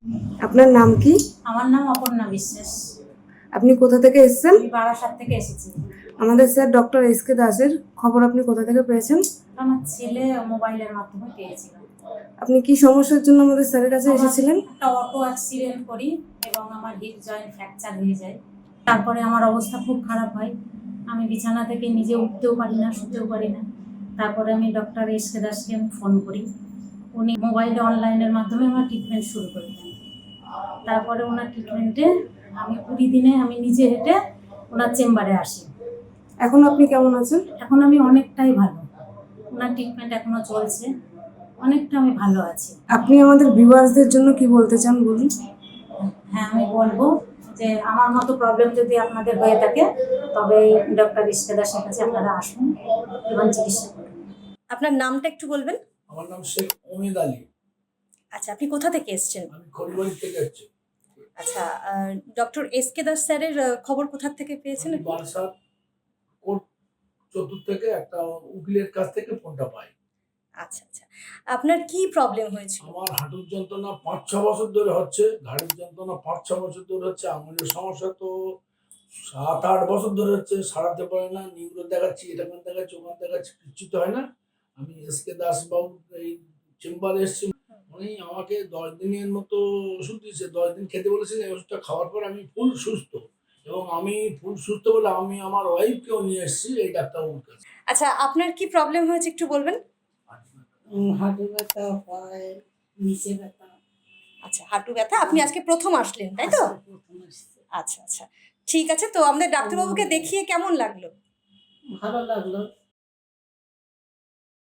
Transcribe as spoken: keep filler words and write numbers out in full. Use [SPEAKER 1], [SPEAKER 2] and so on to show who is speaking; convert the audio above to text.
[SPEAKER 1] আপনার নাম কি?
[SPEAKER 2] আমার নাম অপর্ণা বিশ্বাস।
[SPEAKER 1] আপনি কোথা থেকে এসেছেন?
[SPEAKER 2] আমি বারাসাত থেকে এসেছি।
[SPEAKER 1] আমাদের স্যার ডক্টর এস কে দাসের খবর আপনি কোথা থেকে পেয়েছেন?
[SPEAKER 2] আমার ছেলে মোবাইলের মাধ্যমে পেয়েছিল।
[SPEAKER 1] আপনি কি সমস্যার জন্য আমাদের স্যারের কাছে
[SPEAKER 2] আমার
[SPEAKER 1] এসেছিলেন?
[SPEAKER 2] একটা অটো অ্যাক্সিডেন্ট করি এবং আমার হিপ জয়েন্ট ফ্র্যাকচার হয়ে যায়। তারপরে আমার অবস্থা খুব খারাপ হয়, আমি বিছানা থেকে নিজে উঠতেও পারি না, শুতেও পারি না। তারপরে আমি ডক্টর এস কে দাসকে আমি ফোন করি, উনি মোবাইলে অনলাইনের মাধ্যমে আমার ট্রিটমেন্ট শুরু করে দেন। তারপরে ওনার ট্রিটমেন্টে আমি কুড়ি দিনে আমি নিজে হেঁটে ওনার চেম্বারে আসি।
[SPEAKER 1] এখন আপনি কেমন আছেন?
[SPEAKER 2] এখন আমি অনেকটাই ভালো, ওনার ট্রিটমেন্ট এখনো চলছে, অনেকটা আমি ভালো আছি।
[SPEAKER 1] আপনি আমাদের ভিউয়ার্সদের জন্য কি বলতে চান বলুন?
[SPEAKER 2] হ্যাঁ, আমি বলবো যে আমার মতো প্রবলেম যদি আপনাদের হয়ে থাকে তবে ডক্টর এস কে দাসের কাছে আপনারা আসুন এবং চিকিৎসা করুন।
[SPEAKER 3] আপনার নামটা একটু বলবেন?
[SPEAKER 4] আমার নাম শেখ ওমেদ আলী।
[SPEAKER 3] আচ্ছা, আপনি কোথা থেকে এসেছেন?
[SPEAKER 4] আমি খড়িবাড়ি থেকে আসছি।
[SPEAKER 3] আচ্ছা, ডক্টর এস কে দাস স্যারের আহ, খবর কোথা থেকে পেয়েছেন?
[SPEAKER 4] আমি বারাসাত কোর্ট চতুর্থ থেকে একটা উকিলের কাছ থেকে ফোনটা পাই।
[SPEAKER 3] আচ্ছা আচ্ছা, আপনার কি প্রবলেম হয়েছিল?
[SPEAKER 4] আমার হাঁটুর যন্ত্রণা পাঁচ ছ বছর ধরে হচ্ছে, ঘাড়ের যন্ত্রণা পাঁচ ছ বছর ধরে হচ্ছে, আঙুলের সমস্যা তো সাত আট বছর ধরে হচ্ছে, সারাতে পারে না। নিউরো দেখাচ্ছি, এটা দেখাচ্ছি, ওখান দেখাচ্ছি, কিচ্ছু তো হয় না। আমি এস কে দাস বাবু এই চেম্বারে এসেছি, উনি আমাকে দশ দিনের মতো ওষুধ দিয়েছে, দশ দিন খেতে বলেছেন। এই ওষুধটা খাওয়ার পর আমি ফুল সুস্থ, এবং আমি ফুল সুস্থ বলে আমি আমার ওয়াইফকেও নিয়ে এসেছি এই ডাক্তারবাবুর কাছে।
[SPEAKER 3] আচ্ছা, আপনার কি প্রবলেম হয়েছে একটু বলবেন?
[SPEAKER 5] হাঁটু ব্যথা, পায়ে নিচে ব্যথা।
[SPEAKER 3] আচ্ছা, হাঁটু ব্যথা। আপনি আজকে প্রথম আসলেন, তাই তো?
[SPEAKER 5] প্রথম আসছে।
[SPEAKER 3] আচ্ছা আচ্ছা, ঠিক আছে। তো আমাদের ডাক্তারবাবুকে দেখিয়ে কেমন লাগলো?
[SPEAKER 5] ভালো লাগলো।